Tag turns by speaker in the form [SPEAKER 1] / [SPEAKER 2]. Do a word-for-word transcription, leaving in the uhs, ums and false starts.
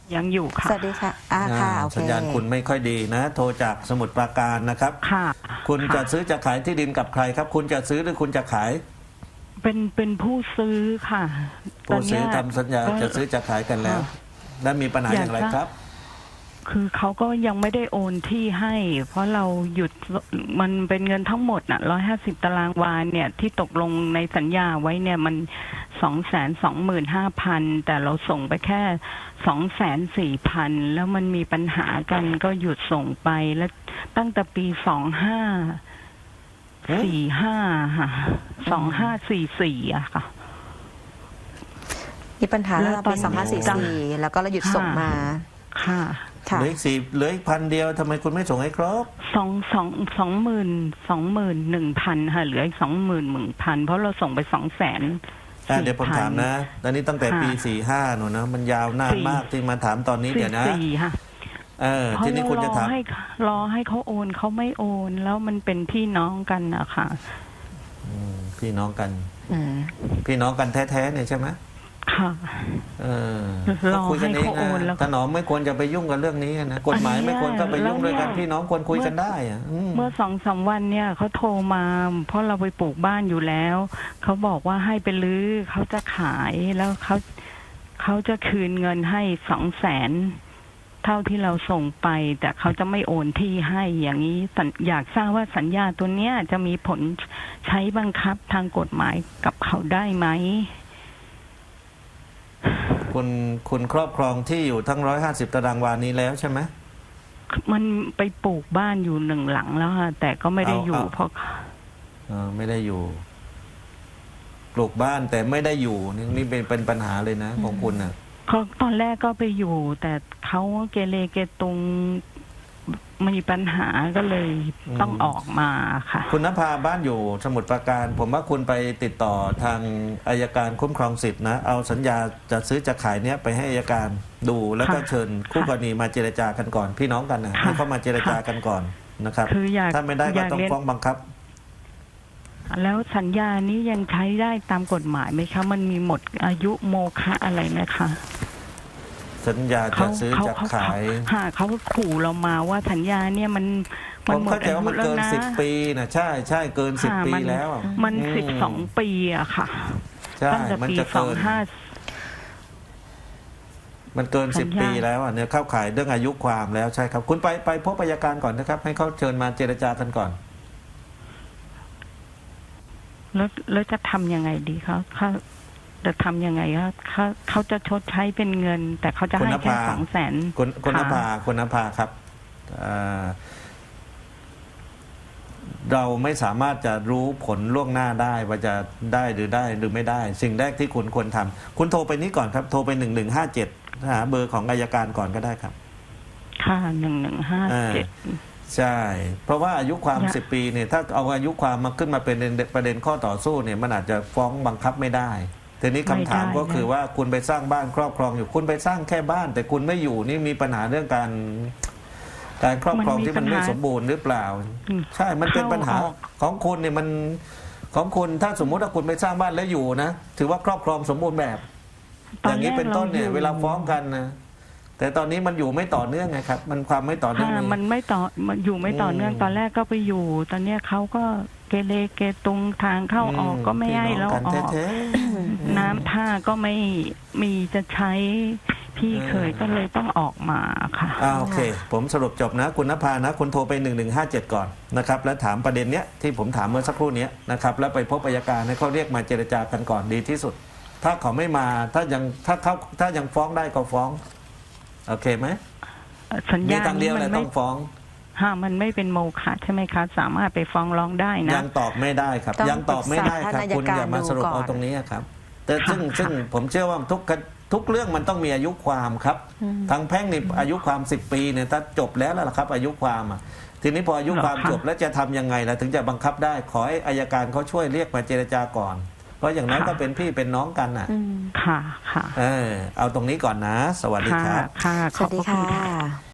[SPEAKER 1] ยังอยู่ค่ะ
[SPEAKER 2] สวัสดีค่ะอ่าค่ะโอเค
[SPEAKER 3] สัญญาณคุณไม่ค่อยดีนะ โทรจากสมุทรปราการนะครับ
[SPEAKER 1] ค่ะ
[SPEAKER 3] คุณ
[SPEAKER 1] ค่ะ
[SPEAKER 3] จะซื้อจะขายที่ดินกับใครครับ คุณจะซื้อหรือคุณจะขาย
[SPEAKER 1] เป็นเป็นผู้ซื้อค่ะตอ
[SPEAKER 3] ผู้
[SPEAKER 1] น
[SPEAKER 3] ซื้
[SPEAKER 1] เนี้
[SPEAKER 3] อย ทำสัญญา
[SPEAKER 1] ก็
[SPEAKER 3] จะซื้อจะขายกันแล้ว
[SPEAKER 1] ค่ะ
[SPEAKER 3] และมีปัญหาอย่างไร
[SPEAKER 1] อยากจะ
[SPEAKER 3] ครับ
[SPEAKER 1] คือเขาก็ยังไม่ได้โอนที่ให้ เพราะเราหยุดมันเป็นเงินทั้งหมดน่ะร้อยห้าสิบตารางวาเนี่ยที่ตกลงในสัญญาไว้เนี่ยมันสองแสนสองหมื่นห้าพันแต่เราส่งไปแค่สองแสนสี่พันแล้วมันมีปัญหากันก็หยุดส่งไปแล้วตั้งแต่ปีสองห้าสี่ห้าค่ะสองห้าสี่สี่อะค่ะ
[SPEAKER 2] มีปัญหา
[SPEAKER 1] แล้
[SPEAKER 2] แล้ว
[SPEAKER 1] วตอ
[SPEAKER 2] ปี
[SPEAKER 1] น
[SPEAKER 2] สองห้าสี่สี่แล้วก็เราหยุดส่งมา
[SPEAKER 1] ค่ะ
[SPEAKER 2] ค่ะ
[SPEAKER 3] เหลืออีกสี่เหลืออีกพันเดียวทำไมคุณไม่ส่งให้ครบ
[SPEAKER 1] สองสองสองหมื่นสองหมื่นหนึ่งพันค่ะเหลืออีกสองหมื่นหนึ่งพันเพราะเราส่งไปสองแสน
[SPEAKER 3] อ่ะเดี๋ยวผมถามนะตอนนี้ตั้งแต่ปีสี่ห้าหนูนะ มันยาวนานมากที่มาถามตอนนี้
[SPEAKER 1] สี่
[SPEAKER 3] เดี๋ยวนะ
[SPEAKER 1] สี่ค่ะ
[SPEAKER 3] เออ
[SPEAKER 1] เพราะ
[SPEAKER 3] ทีนี้คุณจะ
[SPEAKER 1] เราร
[SPEAKER 3] ถา
[SPEAKER 1] อ
[SPEAKER 3] ม
[SPEAKER 1] ให้รอให้เขาโอนเขาไม่โอน แล้วมันเป็นพี่น้องกันอะค่ะ
[SPEAKER 3] อืมพี่น้องกัน
[SPEAKER 2] อืม
[SPEAKER 3] พี่น้องกันแท้ๆเนี่ยใช่ไหม
[SPEAKER 1] ค่ะ
[SPEAKER 3] เออ
[SPEAKER 1] รอ
[SPEAKER 3] ก็คุยกันเอง
[SPEAKER 1] ให้เขาโอนแล้ว
[SPEAKER 3] นะถนอมไม่ควรจะไปยุ่งกับเรื่องนี้นะกฎหมายไม่ควรก็ไปยุ่งด้วยกัน
[SPEAKER 1] แล้วเนี่ย
[SPEAKER 3] พี่น้องควรคุยกันได้อะอืม
[SPEAKER 1] เมื่อสองสามวันเนี่ยเขาโทรมา เพราะเราไปปลูกบ้านอยู่แล้วเขาบอกว่าให้ไปรื้อเขาจะขายแล้วเขาเขาจะคืนเงินให้สองแสนเท่าที่เราส่งไป แต่เขาจะไม่โอนที่ให้อย่างนี้สัญอยากทราบว่าสัญญาตัวเนี้ยจะมีผลใช้บังคับทางกฎหมายกับเขาได้ไหม
[SPEAKER 3] คุณคุณครอบครองที่อยู่ทั้งร้อยห้าสิบตารางวานี้แล้วใช่ไหม
[SPEAKER 1] มันไปปลูกบ้านอยู่หนึ่งหลังแล้วค่ะแต่ก็ไม่ได้อยู่
[SPEAKER 3] เอาเอา
[SPEAKER 1] เพราะ
[SPEAKER 3] เออไม่ได้อยู่ ปลูกบ้านแต่ไม่ได้อยู่นี่นี่เป็นเป็นปัญหาเลยนะของคุณนะ
[SPEAKER 1] เขาตอนแรกก็ไปอยู่ แต่เขาเกเรเกตุงมีปัญหาก็เลยต้องออกมาค่ะ
[SPEAKER 3] คุณนภาบ้านอยู่สมุทรปราการ ผมว่าคุณไปติดต่อทางอายการคุ้มครองสิทธินะเอาสัญญาจะซื้อจะขายเนี้ยไปให้อายการดูแล้วก็
[SPEAKER 1] ค่ะ
[SPEAKER 3] เชิญคู่กรณีมาเจรจากันก่อน พี่น้องกันนะ
[SPEAKER 1] ค่ะ
[SPEAKER 3] ให้เขามาเจรจากันก่อนนะครับ
[SPEAKER 1] คืออยาก
[SPEAKER 3] ถ้าไม่ได้
[SPEAKER 1] อ
[SPEAKER 3] ก็
[SPEAKER 1] ยาก
[SPEAKER 3] ต้อง
[SPEAKER 1] เรียน
[SPEAKER 3] ฟ้องบังคับ
[SPEAKER 1] แล้วสัญญานี้ยังใช้ได้ตามกฎหมายไหมคะ มันมีหมดอายุโมฆะอะไรไหมคะ
[SPEAKER 3] สัญญาจะซื้อจะขาย
[SPEAKER 1] หาเขาขู่เรามาว่าสัญญาเนี่ยมัน
[SPEAKER 3] ผ
[SPEAKER 1] มัน
[SPEAKER 3] ม
[SPEAKER 1] หมด
[SPEAKER 3] เข้าใจ
[SPEAKER 1] อา
[SPEAKER 3] ว่า
[SPEAKER 1] ยุ
[SPEAKER 3] มัน
[SPEAKER 1] แล้ว
[SPEAKER 3] เกิน
[SPEAKER 1] นะ
[SPEAKER 3] สิบปีนะใช่ใช่เกินสิบ
[SPEAKER 1] ค่ะ
[SPEAKER 3] ปี
[SPEAKER 1] มัน
[SPEAKER 3] แล้ว
[SPEAKER 1] มัน
[SPEAKER 3] อื
[SPEAKER 1] สิบสองปีอะค่ะ
[SPEAKER 3] ใช่
[SPEAKER 1] ตั้งแต่
[SPEAKER 3] มัน
[SPEAKER 1] ปี
[SPEAKER 3] จะ
[SPEAKER 1] สอ
[SPEAKER 3] เกิ
[SPEAKER 1] ง
[SPEAKER 3] น
[SPEAKER 1] ห้า
[SPEAKER 3] มันเกิน
[SPEAKER 1] สั
[SPEAKER 3] สิ
[SPEAKER 1] ญ
[SPEAKER 3] บ
[SPEAKER 1] ญา
[SPEAKER 3] ปีแล้วอ่ะเนี่ยเข้าข่ายเรื่องอายุความแล้วใช่ครับ คุณไปไปพบอัยการก่อนนะครับ ให้เขาเชิญมาเจรจากันก่อน
[SPEAKER 1] แล้วแล้วจะทำยังไงดีเขาเขาจะทำยังไงเขาเขาเขาจะชดใช้เป็นเงิน แต่เขาจะ
[SPEAKER 3] คุณ
[SPEAKER 1] ให้
[SPEAKER 3] น
[SPEAKER 1] แค่
[SPEAKER 3] ภา
[SPEAKER 1] สองแสน
[SPEAKER 3] คุณคุณน
[SPEAKER 1] ค่ะ
[SPEAKER 3] ภาคุณนภาครับอ่าเราไม่สามารถจะรู้ผลล่วงหน้าได้ว่าจะได้หรือได้หรือไม่ได้ สิ่งแรกที่คุณควรทำคุณโทรไปนี้ก่อนครับ โทรไปหนึ่งหนึ่งห้าเจ็ดหาเบอร์ของอัยการก่อนก็ได้ครับ
[SPEAKER 1] ค่ะหนึ่งหนึ่งห้าเจ็ด
[SPEAKER 3] ใช่ เพราะว่าอายุความ
[SPEAKER 1] อยาก
[SPEAKER 3] สิบปีเนี่ยถ้าเอาอายุความมาขึ้นมาเป็นประเด็นข้อต่อสู้เนี่ยมันอาจจะฟ้องบังคับไม่ได้ทีนี้คำถามก็คือว่าคุณไปสร้างบ้านครอบครองอยู่คุณไปสร้างแค่บ้าน แต่คุณไม่อยู่นี่มีปัญหาเรื่องการ การครอบครองที่มันไม่สมบูรณ์หรือเปล่า ใช่มันเป็นปัญหาของคุณเนี่ยมันของคุณถ้าสมมุติว่าคุณไปสร้างบ้านแล้วอยู่นะถือว่าครอบครองสมบูรณ์แบบ อย่างนี้เป็นต้นเนี่ยเวลาฟ้องกันนะแต่ตอนนี้มันอยู่ไม่ต่อเนื่องไงครับ มันความไม่ต่อเนื่อง
[SPEAKER 1] ค่ะมันไม่ต่อมันอยู่ไม่ต่อเนื่อง
[SPEAKER 3] อืม
[SPEAKER 1] ตอนแรกก็ไปอยู่ ตอนเนี้ยเขาก็เกเรเกตุงทางเข้าออกก็ไม่ให้เรา
[SPEAKER 3] พี่น้ง
[SPEAKER 1] อ
[SPEAKER 3] กัน
[SPEAKER 1] อก
[SPEAKER 3] แท้ๆ
[SPEAKER 1] น้ำท่าก็ไม่มีจะใช้พี่เคยก็เลยต้องออกมาค่ะ
[SPEAKER 3] อ่าโอเค ผมสรุปจบนะ คุณนภานะ คุณโทรไปหนึ่งหนึ่งห้าเจ็ดก่อนนะครับ แล้วถามประเด็นเนี้ยที่ผมถามเมื่อสักครู่เนี้ยนะครับ แล้วไปพบอัยการให้เขาเรียกมาเจรจากันก่อนดีที่สุด ถ้าเขาไม่มาถ้ายังถ้าเขาถ้ายังฟ้องได้ก็ฟ้อง โอเคไหม
[SPEAKER 1] สัญ
[SPEAKER 3] มี
[SPEAKER 1] ญา
[SPEAKER 3] ทางเดียว
[SPEAKER 1] มั
[SPEAKER 3] เลย
[SPEAKER 1] ไม่
[SPEAKER 3] ต้องฟ้อง
[SPEAKER 1] ฮะมันไม่เป็นโมฆะใช่ไหมคะ สามารถไปฟ้องร้องได้นะ
[SPEAKER 3] ยังตอบไม่ได้ครับ
[SPEAKER 2] ต้อง
[SPEAKER 3] ยังตอบไม่ได้ครับ
[SPEAKER 2] ปรึกษาท่านอัยการ
[SPEAKER 3] คุณอย่ามาสรุป
[SPEAKER 2] ดูก่อน
[SPEAKER 3] เอาตรงนี้ครับ แต่ซึ่ง
[SPEAKER 1] ค่ะ
[SPEAKER 3] ซึ่งผมเชื่อว่าทุกทุกเรื่องมันต้องมีอายุความครับ ทางแพ่งนี่อายุความสิบปีเนี่ยถ้าจบแล้วแล้วล่ะครับ อายุความอ่ะทีนี้พออายุความจบแล้วจะทำยังไงล่ะถึงจะบังคับได้ ขอให้อัยการเขาช่วยเรียกมาเจรจาก่อน เพราะอย่างนั้นก็เป็นพี่เป็นน้องกันน่ะ
[SPEAKER 2] อืม
[SPEAKER 1] ค่ะค่ะ
[SPEAKER 3] เออเอาตรงนี้ก่อนนะ สวัสดีค
[SPEAKER 1] ค่ะ
[SPEAKER 3] รับ
[SPEAKER 1] ค่ะ
[SPEAKER 2] ส
[SPEAKER 1] ขอ
[SPEAKER 2] วั
[SPEAKER 1] บ
[SPEAKER 2] สดี
[SPEAKER 1] พระคุ
[SPEAKER 2] ค่
[SPEAKER 1] ณค่ะ
[SPEAKER 2] ะ